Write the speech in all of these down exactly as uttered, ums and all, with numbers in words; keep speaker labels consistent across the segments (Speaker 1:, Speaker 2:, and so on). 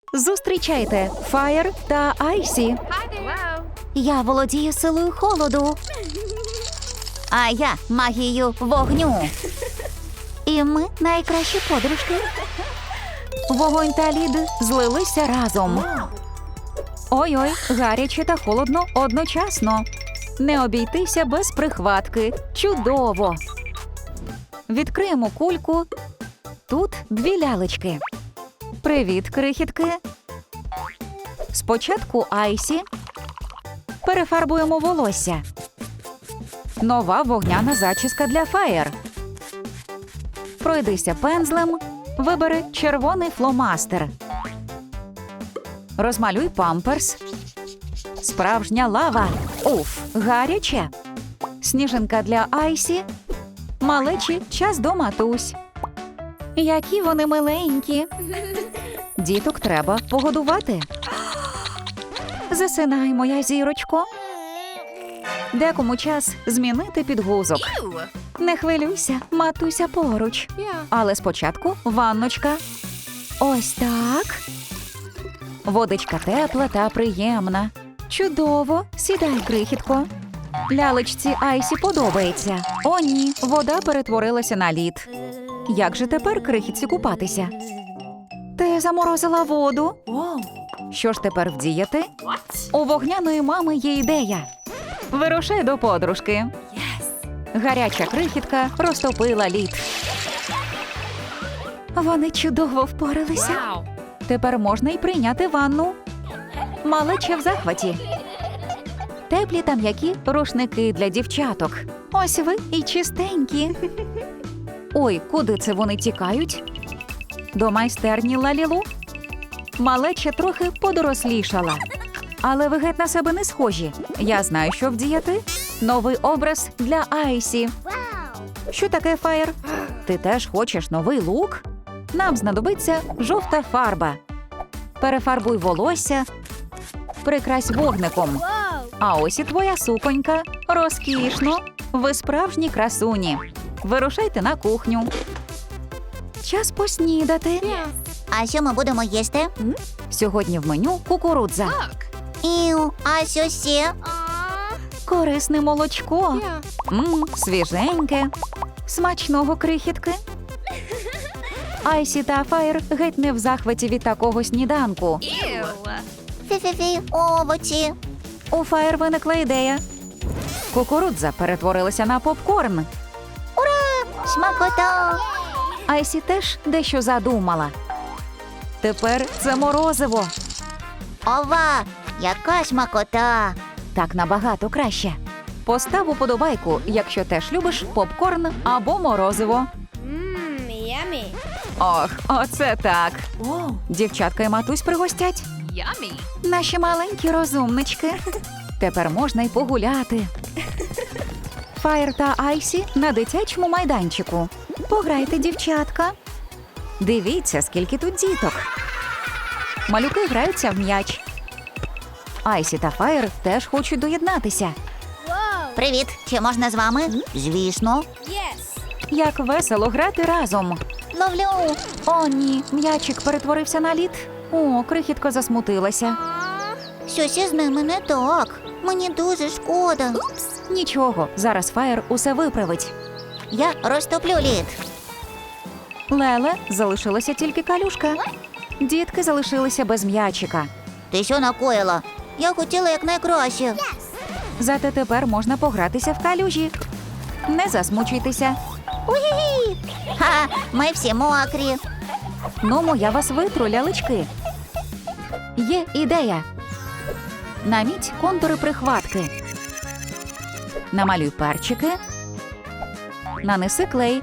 Speaker 1: Зустрічайте Фаєр та Айсі.
Speaker 2: Я володію силою холоду. А я магією вогню. І ми найкращі подружки.
Speaker 1: Вогонь та лід злилися разом. Ой-ой, гаряче та холодно одночасно. Не обійтися без прихватки. Чудово! Відкриємо кульку. Тут дві лялечки. Привіт, крихітки. Спочатку Айсі. Перефарбуємо волосся. Нова вогняна зачіска для Фаєр. Пройдися пензлем. Вибери червоний фломастер. Розмалюй памперс. Справжня лава. Уф, гаряче. Сніжинка для Айсі. Малечі, час до матусь. Які вони миленькі. Діток треба погодувати. Засинай, моя зірочко. Декому час змінити підгузок. Не хвилюйся, матуся поруч. Але спочатку ванночка. Ось так. Водичка тепла та приємна. Чудово. Сідай, крихітко. Лялечці Айсі подобається. О, ні, вода перетворилася на лід. Як же тепер крихітці купатися? Ти заморозила воду? Що ж тепер вдіяти? У вогняної мами є ідея. Вирушай до подружки. Гаряча крихітка розтопила лід. Вони чудово впоралися. Тепер можна й прийняти ванну. Малеча в захваті. Теплі та м'які рушники для дівчаток. Ось ви і чистенькі. Ой, куди це вони тікають? До майстерні Лалілу? Малеча трохи подорослішала. Але ви геть на себе не схожі. Я знаю, що вдіяти. Новий образ для Айсі. Що таке, Фаєр? Ти теж хочеш новий лук? Нам знадобиться жовта фарба. Перефарбуй волосся. Прикрась вогником. А ось і твоя суконька. Розкішно. Ви справжні красуні. Вирушайте на кухню. Час поснідати.
Speaker 2: А що ми будемо їсти?
Speaker 1: Сьогодні в меню кукурудза.
Speaker 2: Іу, а що ще?
Speaker 1: Корисне молочко. Мм, свіженьке. Смачного, крихітки. Айсі та Фаєр геть не в захваті від такого сніданку.
Speaker 2: Фі-фі-фі, овочі.
Speaker 1: У Фаєр виникла ідея. Кукурудза перетворилася на попкорн.
Speaker 2: Смакота.
Speaker 1: Айсі теж дещо задумала. Тепер це морозиво.
Speaker 2: Ова, яка смакота.
Speaker 1: Так набагато краще. Постав уподобайку, якщо теж любиш попкорн або морозиво.
Speaker 3: Mmm, yummy.
Speaker 1: Ох, оце так. Дівчатка і матусь пригостять.
Speaker 3: Yummy.
Speaker 1: Наші маленькі розумнички. Тепер можна й погуляти. Фаєр та Айсі на дитячому майданчику. Пограйте, дівчатка. Дивіться, скільки тут діток. Малюки граються в м'яч. Айсі та Фаєр теж хочуть доєднатися.
Speaker 3: Whoa.
Speaker 2: Привіт, чи можна з вами? Звісно.
Speaker 3: Yes.
Speaker 1: Як весело грати разом.
Speaker 2: Ловлю.
Speaker 1: О, ні, м'ячик перетворився на лід. О, крихітка засмутилася.
Speaker 3: Aw.
Speaker 2: Щось із ними не так. Мені дуже шкода.
Speaker 1: Нічого, зараз Фаєр усе виправить.
Speaker 2: Я розтоплю лід.
Speaker 1: Леле, залишилася тільки калюшка. Дітки залишилися без м'ячика.
Speaker 2: Ти що накоїла? Я хотіла якнайкраще.
Speaker 1: Зате тепер можна погратися в калюжі. Не засмучуйтеся.
Speaker 2: Уї! Ха, ми всі мокрі.
Speaker 1: Ну, я вас витру, лялечки. Є ідея. Наміть контури прихватки. Намалюй перчики. Нанеси клей.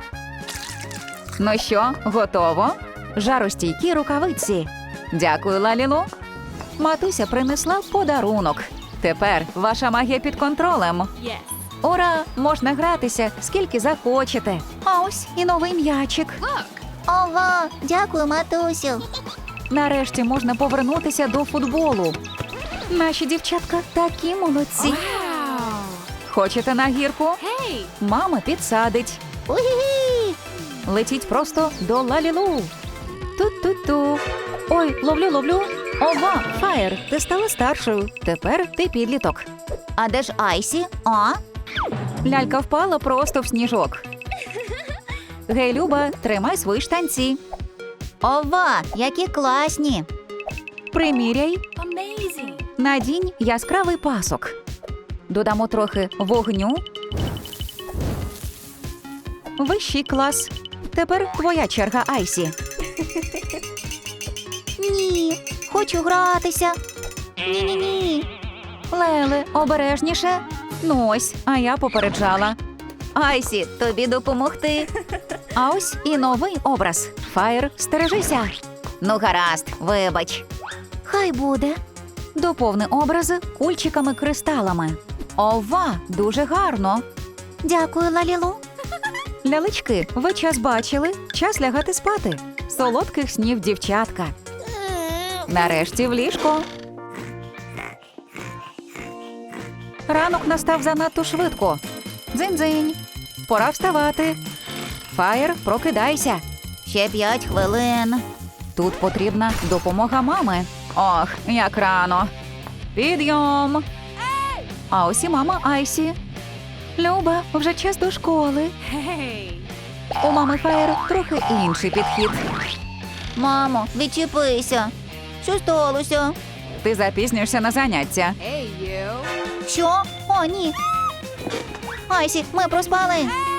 Speaker 1: Ну що, готово? Жаростійкі рукавиці. Дякую, Лалілу. Матуся принесла подарунок. Тепер ваша магія під контролем.
Speaker 3: Yes.
Speaker 1: Ура! Можна гратися, скільки захочете. А ось і новий м'ячик.
Speaker 3: Look.
Speaker 2: Ова, дякую, матусю.
Speaker 1: Нарешті можна повернутися до футболу. Наші дівчатка такі молодці.
Speaker 3: Wow.
Speaker 1: Хочете на гірку?
Speaker 3: Hey.
Speaker 1: Мама підсадить.
Speaker 2: Угі!
Speaker 1: Летіть просто до Лалілу. Ту-ту-ту. Ой, ловлю, ловлю. Ова, Фаєр, ти стала старшою. Тепер ти підліток.
Speaker 2: А де ж Айсі? А?
Speaker 1: Лялька впала просто в сніжок. Гей, Люба, тримай свої штанці.
Speaker 2: Ова, які класні.
Speaker 1: Приміряй.
Speaker 3: Amazing.
Speaker 1: Надінь яскравий пасок. Додамо трохи вогню. Вищий клас. Тепер твоя черга, Айсі.
Speaker 2: Ні, хочу гратися. Ні-ні-ні.
Speaker 1: Леле, обережніше. Ну ось, а я попереджала.
Speaker 2: Айсі, тобі допомогти.
Speaker 1: А ось і новий образ. Фаєр, стережися.
Speaker 2: Ну, гаразд, вибач. Хай буде.
Speaker 1: Доповни образи кульчиками-кристалами. Ова, дуже гарно.
Speaker 2: Дякую, Лалілу.
Speaker 1: Лялечки, ви час бачили? Час лягати спати. Солодких снів, дівчатка. Нарешті в ліжко. Ранок настав занадто швидко. Дзинь-дзинь. Пора вставати. Фаєр, прокидайся.
Speaker 2: Ще п'ять хвилин.
Speaker 1: Тут потрібна допомога мами. Ох, як рано. Підйом. А ось і мама Айсі. Люба, вже час до школи.
Speaker 3: Hey.
Speaker 1: У мами Фаєр трохи інший підхід.
Speaker 2: Мамо, відчепися. Що сталося?
Speaker 1: Ти запізнюєшся на заняття.
Speaker 3: Hey, you.
Speaker 2: Що? О, ні. Айсі, ми проспали.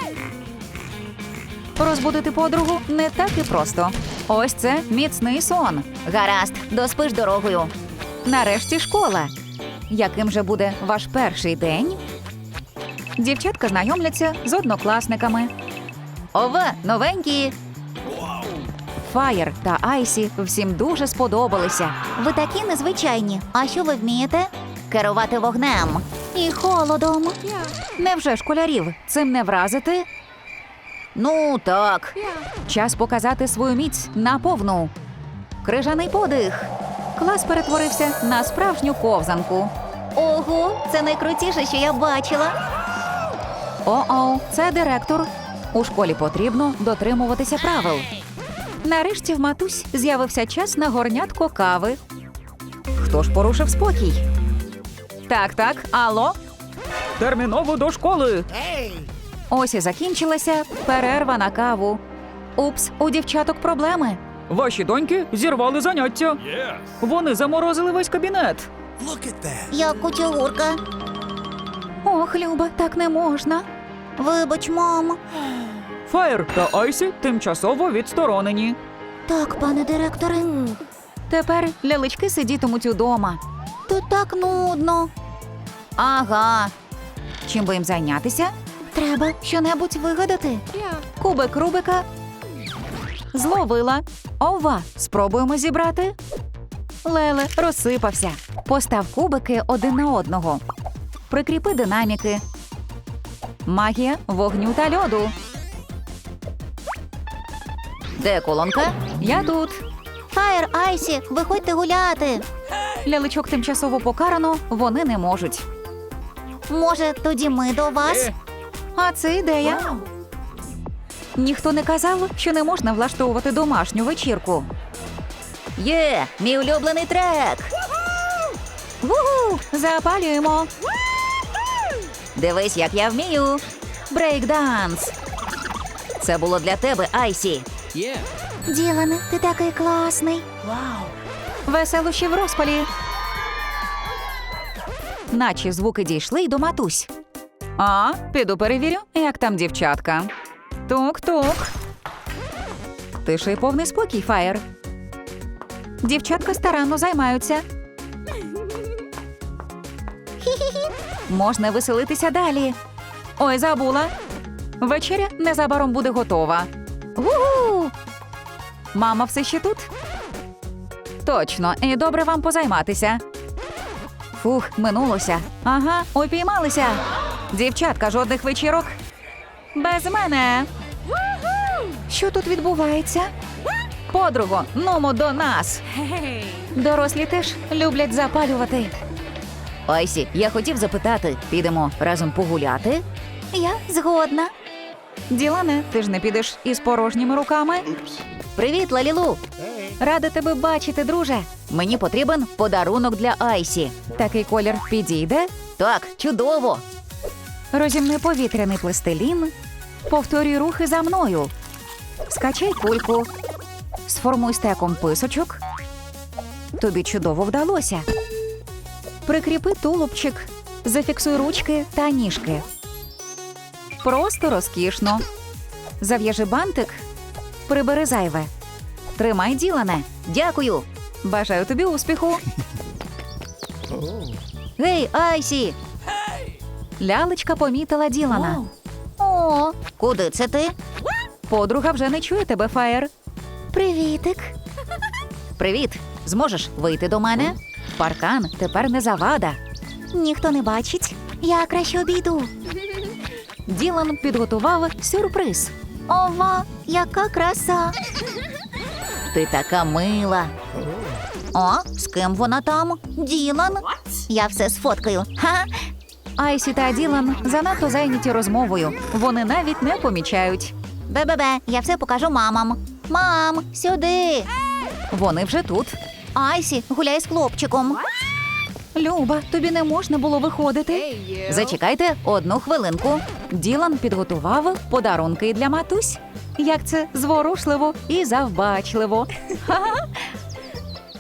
Speaker 1: Розбудити подругу не так і просто. Ось це міцний сон.
Speaker 2: Гаразд, доспиш дорогою.
Speaker 1: Нарешті школа. Яким же буде ваш перший день? Дівчатка знайомляться з однокласниками.
Speaker 2: Ова, новенькі.
Speaker 1: Фаєр та Айсі всім дуже сподобалися.
Speaker 2: Ви такі незвичайні. А що ви вмієте? Керувати вогнем. І холодом.
Speaker 3: Yeah.
Speaker 1: Невже школярів цим не вразити?
Speaker 2: Ну, так.
Speaker 3: Yeah.
Speaker 1: Час показати свою міць наповну. Крижаний подих. Клас перетворився на справжню ковзанку.
Speaker 2: Ого, це найкрутіше, що я бачила.
Speaker 1: О-оу, це директор. У школі потрібно дотримуватися правил. Нарешті в матусь з'явився час на горнятко кави. Хто ж порушив спокій? Так, так, алло? Терміново до школи. Ось і закінчилася перерва на каву. Упс, у дівчаток проблеми. Ваші доньки зірвали заняття. Вони заморозили весь кабінет.
Speaker 2: Я кучугурка.
Speaker 1: Ох, Люба, так не можна.
Speaker 2: Вибач, мамо.
Speaker 1: Фаєр та Айсі тимчасово відсторонені.
Speaker 2: Так, пане директоре.
Speaker 1: Тепер лялечки сидітимуть удома.
Speaker 2: Тут так нудно.
Speaker 1: Ага. Чим би їм зайнятися?
Speaker 2: Треба щонебудь вигадати.
Speaker 3: Yeah.
Speaker 1: Кубик Рубика. Зловила. Ова, спробуємо зібрати. Леле розсипався. Постав кубики один на одного. Прикріпи динаміки. Магія вогню та льоду.
Speaker 2: Де колонка?
Speaker 1: Я тут.
Speaker 2: Фаєр, Айсі, виходьте гуляти.
Speaker 1: Лялечок тимчасово покарано, вони не можуть.
Speaker 2: Може, тоді ми до вас?
Speaker 1: А це ідея. Ніхто не казав, що не можна влаштовувати домашню вечірку.
Speaker 2: Є, мій улюблений трек.
Speaker 1: Ву-гу! Запалюємо.
Speaker 2: Дивись, як я вмію.
Speaker 1: Брейк-данс.
Speaker 2: Це було для тебе, Айсі. Ділане, ти такий класний.
Speaker 1: Веселощі в розпалі. Наче звуки дійшли й до матусь. А, піду перевірю, як там дівчатка. Тук-тук. Тиша й повний спокій, Фаєр. Дівчатка старанно займаються. Можна веселитися далі. Ой, забула. Вечеря незабаром буде готова. Гу-гу! Мама все ще тут? Точно, і добре вам позайматися. Фух, минулося. Ага, упіймалися. Дівчатка, жодних вечірок? Без мене. Що тут відбувається? Подруго, нумо до нас.
Speaker 3: Hey.
Speaker 1: Дорослі теж люблять запалювати.
Speaker 2: Айсі, я хотів запитати, підемо разом погуляти?
Speaker 1: Я згодна. Ділане, ти ж не підеш із порожніми руками?
Speaker 2: Привіт, Лалілу.
Speaker 1: Рада тебе бачити, друже. Мені потрібен подарунок для Айсі. Такий колір підійде? Так, чудово. Розімни повітряний пластилін. Повторюй рухи за мною. Скачай кульку. Сформуй стеком писочок. Тобі чудово вдалося. Прикріпи тулубчик. Зафіксуй ручки та ніжки. Просто розкішно. Зав'яжи бантик. Прибери зайве. Тримай, Ділане. Дякую. Бажаю тобі успіху. Гей, Айсі! Лялечка помітила Ділана.
Speaker 2: О, куди це ти?
Speaker 1: Подруга вже не чує тебе, Фаєр.
Speaker 2: Привітик.
Speaker 1: Привіт. Зможеш вийти до мене? Паркан тепер не завада.
Speaker 2: Ніхто не бачить. Я краще обійду.
Speaker 1: Ділан підготував сюрприз.
Speaker 2: Ова, яка краса.
Speaker 1: Ти така мила.
Speaker 2: О, з ким вона там? Ділан. Я все сфоткаю. Ха.
Speaker 1: Айсі та Ділан занадто зайняті розмовою. Вони навіть не помічають.
Speaker 2: Бе-бе-бе, я все покажу мамам. Мам, сюди.
Speaker 1: Вони вже тут.
Speaker 2: Айсі, гуляй з хлопчиком.
Speaker 1: Люба, тобі не можна було виходити.
Speaker 3: Hey, you.
Speaker 1: Зачекайте одну хвилинку. Ділан підготував подарунки для матусь. Як це зворушливо і завбачливо. Ха-ха.